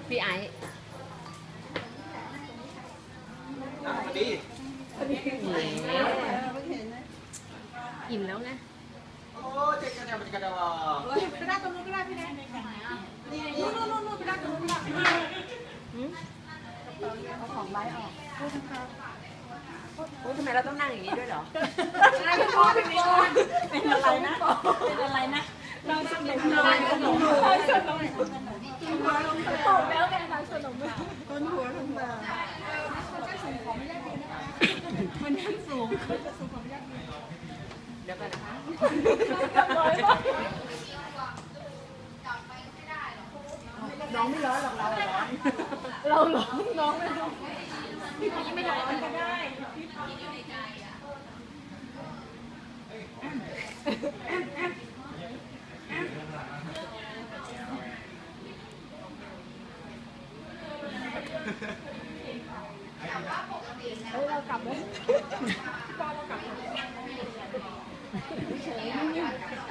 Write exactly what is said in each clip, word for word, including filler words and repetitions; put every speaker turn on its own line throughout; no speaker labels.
พี่ไอ้พอดีอิ่มแล้วไงโอ้เจ๊กันเนี่ยมันจะกระดาไปได้ตรงนู้นก็ได้พี่แนนนู่นนู่นนู่นไปได้ตรงนู้นก็ได้เอาของไว้ออกโอ้ทำไมเราต้องนั่งอย่างนี้ด้วยเหรอนั่งเป็นพ่อเป็นพ่อเป็นอะไรนะเป็นอะไรนะเราสนุกเราสนุกเราสนุกตกแล้วแกเราสนุกต้นหัวลงมามันยังสูงเดี๋ยวกันนะคะน้องไม่ร้อนหรอกเราร้อนเราร้อนน้องไม่ร้อนพี่พีไม่ร้อนก็ได้พี่อยู่ในใจอ่ะเฮ้ยเรากลับเลยป้าเรากลับเฉยๆนี่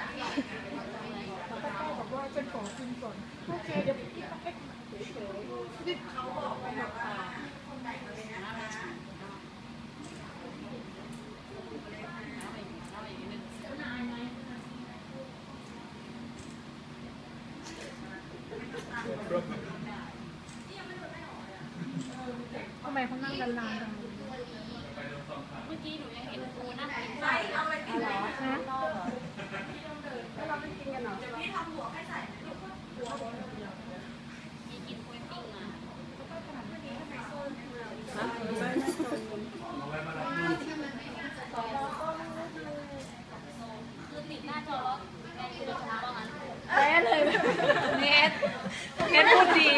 บอกว่าเป็นของจริงก่อนโอเคเดี๋ยวพี่ไปเฉยๆนี่เขาบอกไปหนักตาทำไมเขานั่งนานๆจังเมื่อกี้หนูยังเห็นครูนั่งกินไส้เอาไปกินเหรอฮะแล้วเราไม่กินกันเหรอพี่ทำหัวให้ใส่พี่กินกล้วยปิ้งมาคือติดหน้าจอแล้วแม่คือจะทำว่างั้นแม่เลยเน็ตเน็ตพูดดี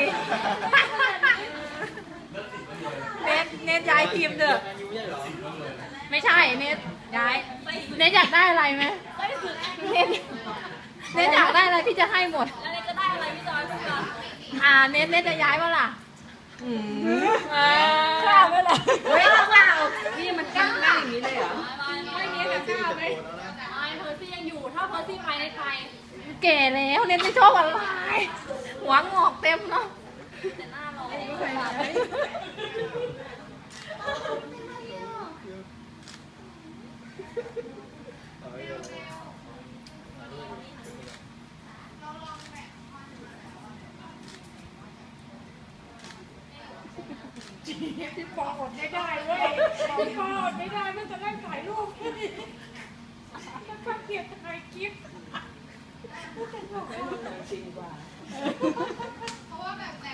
เน็ตเน็ตย้ายทีมเด้อไม่ใช่เน็ตย้ายเน็ตอยากได้อะไรไหมเน็ตเน็ตอยากได้อะไรพี่จะให้หมดแล้วเน็ตจะได้อะไรพี่จอยพูดก่อนอ่าเน็ตเน็ตจะย้ายว่าล่ะอืมข้าวไม่ล่ะเฮ้ยข้าวนี่มันกั้งกั้งอย่างนี้เลยเหรอไม่เน็ตกับข้าวไหมไอเพอร์ซี่ยังอยู่ถ้าเพอร์ซี่ไปในไทยแก่แล้วเน็ตไม่ชอบอะไรหัวงอกเต็มเนาะแต่หน้าร้อนไม่เคยไหมพี่ปออดไม่ได้เว้ยพี่ปออดไม่ได้ไม่จะได้ถ่ายรูปแค่นี้ถ้าเกลียดถ่ายคลิปไม่เป็นหรอกจริงกว่าเพราะว่าแบบแบบ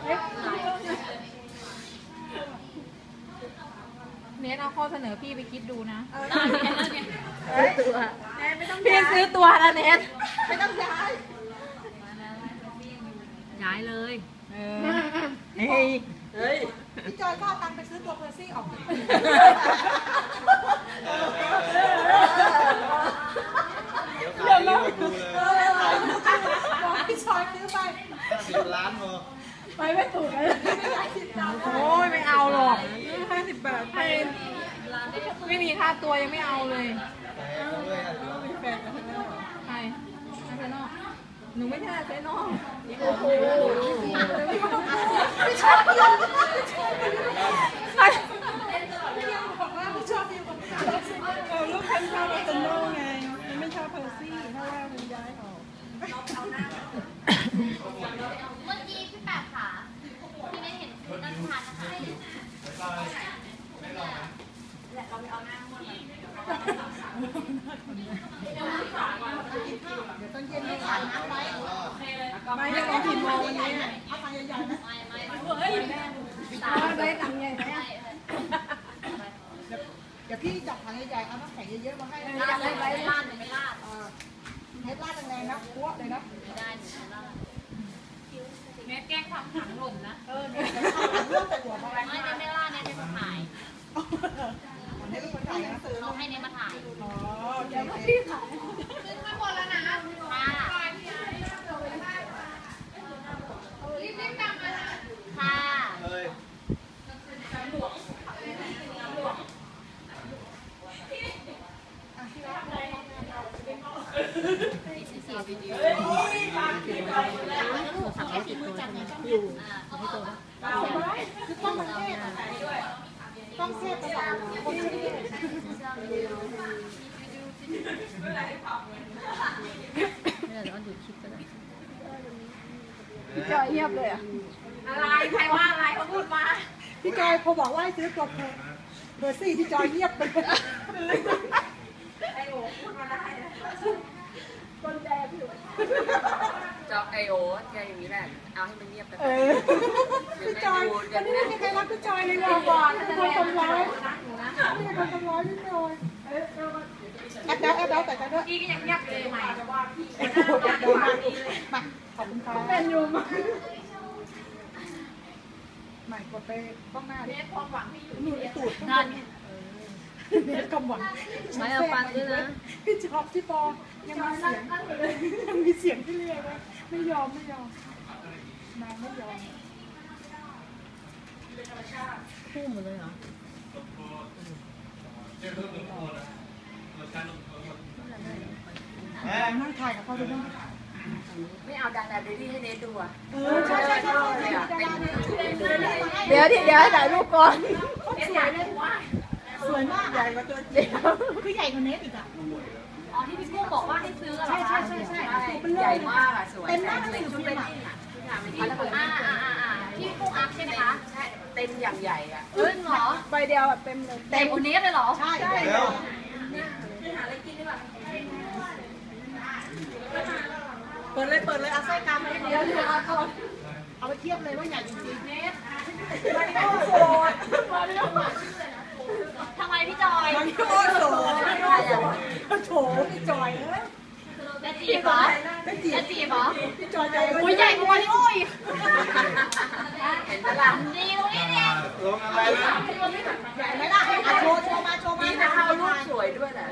เนทเอาข้อเสนอพี่ไปคิดดูนะตัวพี่ซื้อตัวแล้วเนทไม่ต้องย้ายย้ายเลยเฮ้ยเฮ้ยพี่จอยก็เอาตังค์ไปซื้อตัวเพอร์ซี่ออกเดี๋ยวนะบอกพี่จอยซื้อไปสิบล้านพอไปไม่ถูกเลยโอ้ยไม่เอาหรอกห้าสิบบาทไม่มีค่าตัวยังไม่เอาเลยใครอาเซนอลหนูไม่ใช่อาเซนอลโอ้โหไม่ชอบยังใครยังบอกว่าไม่ชอบยังบอกเออลูกฉันชอบอาเซนอลไงไม่ชอบเพอร์ซี่เพราะว่ามันย้ายออกเมื่อกี้พี่แปดขาที่ไม่เห็นคุณนั่งทานนะคะและเราไปเอาหน้าม้วนมาเดี๋ยวตอนเย็นไม่ขาดน้ำไว้ไม่ได้ลองกินโมวันนี้เอาไปใหญ่ๆนะไม่ไม่เฮ้ยตาได้ตังใหญ่ไหมเดี๋ยวพี่จับถังใหญ่ๆเอาน้ำแข็งเยอะๆมาให้ลาดเลยลาดไม่ลาดเฮ็ดลาดแรงๆนะคั่วเลยนะไม่ได้เน็ตแกล้งทำถังหล่นนะเออเนี่ยเรื่องหัวมาไม่ได้ไม่ล่าเนี่ยได้มาถ่ายให้ลูกมาถ่ายนะเขาให้เน็ตมาถ่ายอ๋อเดี๋ยวพี่ถ่ายขึ้นไม่หมดแล้วนะค่ะรีบรีบกลับมาค่ะเลยเสียวิดีโอโทรศัพท์ไม่ติดตัวอยู่
คือต้องมันเทศต้องเทศตลอดคนเทศพี่จอยเงียบเลยอ่ะ
อะไรใครว่าอะไรเขาพูดมา
พี่จอยพอบอกว่าให้ซื้อตัวเบอร์สี่พี่จอยเงียบไปเลย
ไอโอพูดมาได้คนแดงอยู่
จอไอโอแกอย่างนี้แหละเอาให้มันเงียบไป
พี่จอยวันนี้ไม่มีใครรักพี่จอยเลยว่ะบอลคนทำร้ายไม่ใช่คนทำร้ายพี่จอยแอบแล้วแอบแล้วแต่กันด้วย
พี่ก็ยังเงียบเลยใหม่จะว่าพี่
มาขอบคุณค่ะเป็นยูมาใหม่กดไปต้องหน้าดิ
ความหวังที่อยู่
มือตูดนั่นเน็ตกำหวัง
ไม่เอาฟังด้วยนะ
พี่จอบที่ปอยังมีเสียงยังมีเสียงที่เรียกไม่ยอมไม่ยอมนางไม่ยอม
คู่หมดเลยเหรอ
นั่งถ่ายกับเขาดูบ้าง
ไม่เอาดังแบบนี้ให้เนทดูอ่ะ
เออใช่ใช่ใช่
เดี๋ยวที่เดี๋ยวถ่ายรูปก่อน
สวยเลยสวยมากใหญ่กว่าตัวเดียวคือใหญ่กว่าเนทอีกอ่ะ
อ๋อที่พี่กุ้งบอกว่าให้ซื้อเหรอ
ใช่ใช่ใช่ใช่
ใหญ่มากอ่ะสวย
เต็มมากเลยชุดเป็น
อ่าอ่าอ่าพี่กุ้งอัพใช่ไหมคะ
ใช่เต็มอย่างใหญ่อ่ะ
เอ้ยเหรอ
ใบเดียวแบบเต็มเลย
เต็มคนนี้เลยเหรอ
ใช่ใช่เปิดเลยเปิดเลยเอาไส้กามมาเดียวเดียวเอาเอาไปเทียบเลยว่าใหญ่จริงๆเนทมาริโอโสดมาริโอ
ทำไมพี่จอย
มาริโอโสดมาริโอโสดโถพี่จอยเอ้ย
จะจีบเหรอจะจีบเหรอ
พี่จอยใจ
โอ้ยใหญ่กว่ามาริโออีก
เห็นไหมล่ะ
ดีตรงนี้เนี่ย
ลงอะไรนะ
ใหญ่ไหมล่ะโชว์โชว์มาโชว์มา
นี่นะคะรูปสวยด้วยแหละ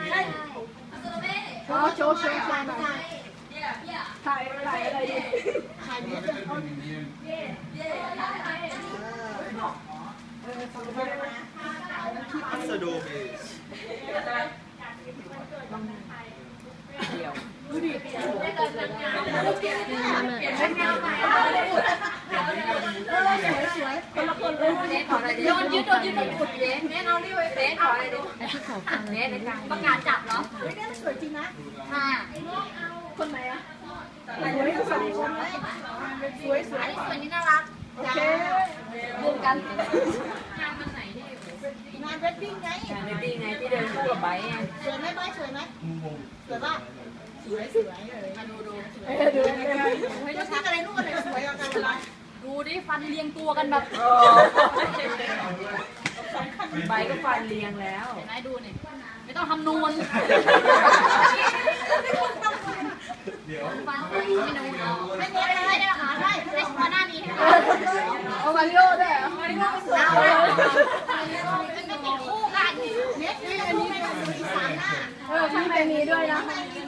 โชว์โชว์โชว์มาถ่ายถ่ายอะไรดิถ่ายเนี่ย
พัสดุเบส
เดียว
ดูดิสวยๆคนละคนเลย
เนทขออะไรดิ
โดนยึดโดนยึดโดนขุดเย้เนทเอาดิเว้ย
เนทขออะไรดิเนทในกลาง
ประกาศจับเหรอ
เฮ้ยเนทสวยจริงนะ
ค่ะ
คนไหนอะสวยสองคนเลยสวยสวย
อันนี้สวยนี่น่ารัก
โอเค
รวมกัน
งานมันไหนดิงานเวดดิ้งไง
งานเวดดิ้งไงที่เดินคู่กับไบค์ไง
สวยไหมไบค์สวยไหมสวยป่ะสวยสวยเลยมาดูดูเออดูดูดูทักอะไรลูกอะไรสวยกันอะไร
ดูดิฟันเรียงตัวกันแบบ
ไบค์ก็ฟันเรียงแล้ว
เห็นไหมดูนี่ไม่ต้องทำนูนฟันไม่นูนเอาไม่เนี้ยไม่ได้หาได้ไม่มาหน้านี้
เอามาริโอด้วยมาริโอสวย
ไม่ติดคู่กัน
เนี้ยนี่อันนี้เป็นอีสานหน้าเออมีเป็นนี้ด้วยนะ